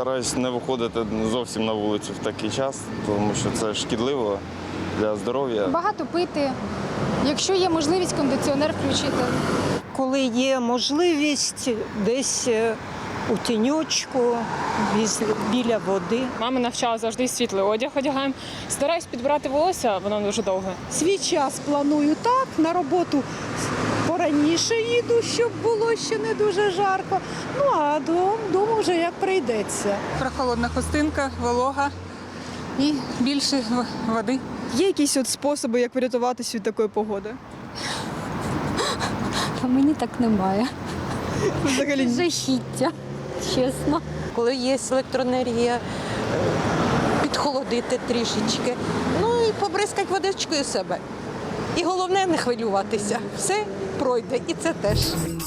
Стараюсь не виходити зовсім на вулицю в такий час, тому що це шкідливо для здоров'я. Багато пити, якщо є можливість, кондиціонер включити. Коли є можливість, десь у тіньочку, біля води. Мама навчала завжди світлий одяг одягаємо. Стараюсь підбирати волосся, воно дуже довге. Свій час планую так, на роботу пораніше їду, щоб було ще не дуже жарко. Ну а дому вже як прийдеться. Прохолодна хустинка, волога і більше води. Є якісь способи, як врятуватися від такої погоди? Мені так немає. Взагалі Жахіття, чесно. Коли є електроенергія, підхолодити трішечки. Ну і побризкати водичкою себе. І головне не хвилюватися. Все пройде, і це теж.